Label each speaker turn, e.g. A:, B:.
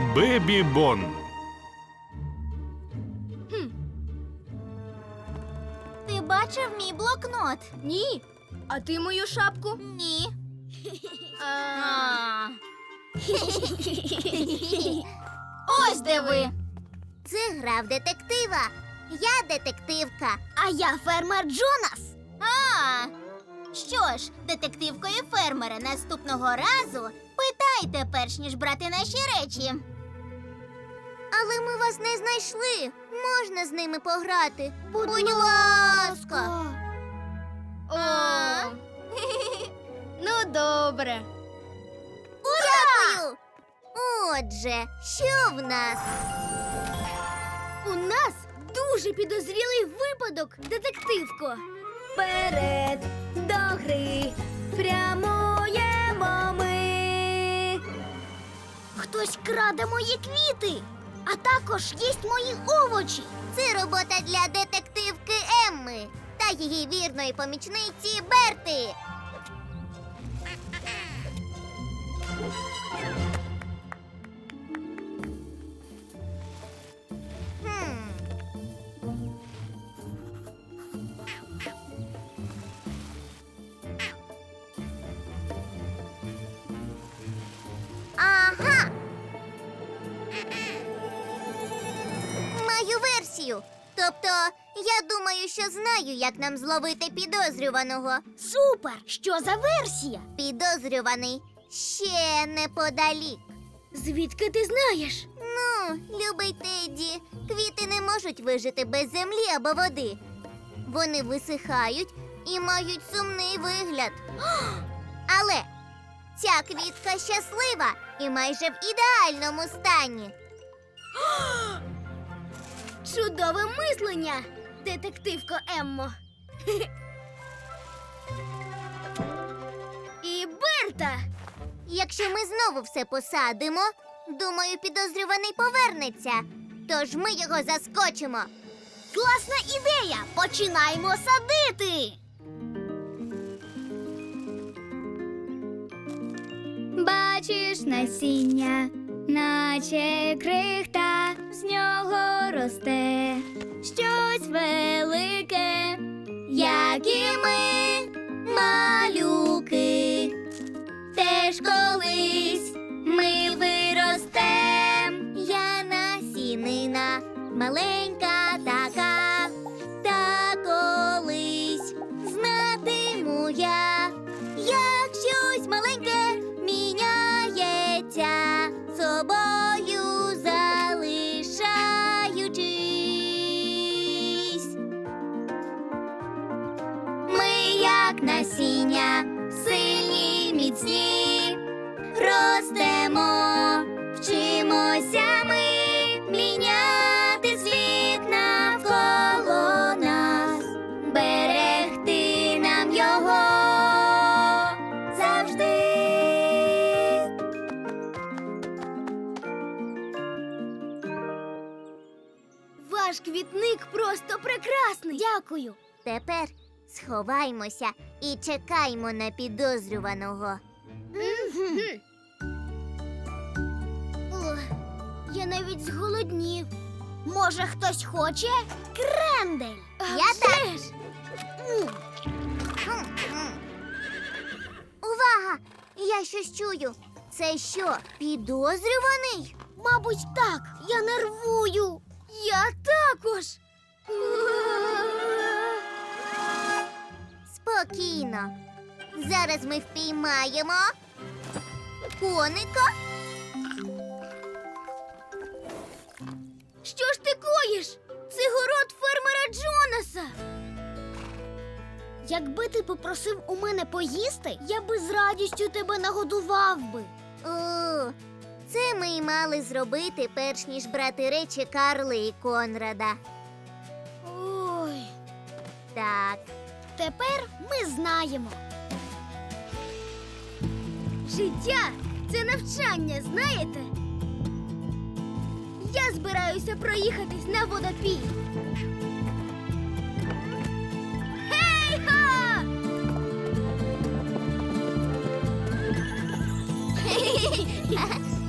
A: Бебі Бон.
B: Ти бачив мій блокнот?
C: Ні. А ти мою шапку?
B: Ні. Ось де ви.
D: Це гра в детектива. Я детективка.
B: А я фермер Джонас. Що ж, детективко і фермери, наступного разу питайте, перш ніж брати наші речі.
D: Але ми вас не знайшли. Можна з ними пограти? Будь ласка.
C: О. Ну, добре.
D: Дякую. Отже, що в нас?
C: У нас дуже підозрілий випадок, детективко. Вперед до гри прямуємо ми.
B: Хтось краде мої квіти, а також їсть мої овочі.
D: Це робота для детективки Емми та її вірної помічниці Берти. Ага. Маю версію. Тобто, я думаю, що знаю, як нам зловити підозрюваного.
B: Супер! Що за версія?
D: Підозрюваний ще неподалік.
C: Звідки ти знаєш?
D: Ну, любий Тедді, квіти не можуть вижити без землі або води. Вони висихають і мають сумний вигляд. Але ця квітка щаслива і майже в ідеальному стані.
C: Чудове мислення, детективко Еммо. І Берта.
D: Якщо ми знову все посадимо, думаю, підозрюваний повернеться. Тож ми його заскочимо.
B: Класна ідея! Починаємо садити!
E: Бачиш насіння, наче крихта, з нього росте щось велике, як і ми, малюки. Теж колись ми виростем.
D: Я насінина, маленька така, та колись знатиму я, як щось маленьке міняється, собою залишаючись.
E: Ми, як насіння, сильні, міцні, ростемо, вчимося ми міняти світ навколо нас, берегти нам його завжди.
C: Ваш квітник просто прекрасний.
B: Дякую.
D: Тепер сховаймося і чекаймо на підозрюваного.
B: Ох, я навіть зголоднів. Може, хтось хоче крендель?
D: Я теж. Увага! Я щось чую. Це що, підозрюваний?
B: Мабуть, так. Я нервую.
C: Я також.
D: Спокійно. Зараз ми впіймаємо коника.
C: Що ж ти коїш? Це город фермера Джонаса.
B: Якби ти попросив у мене поїсти, я би з радістю тебе нагодував би.
D: О, це ми й мали зробити, перш ніж брати речі Карли і Конрада.
B: Ой,
D: Так.
B: тепер ми знаємо.
C: Життя – це навчання, знаєте? Я збираюся проїхатись на водопій. Гей-ха!
D: Ха-ха!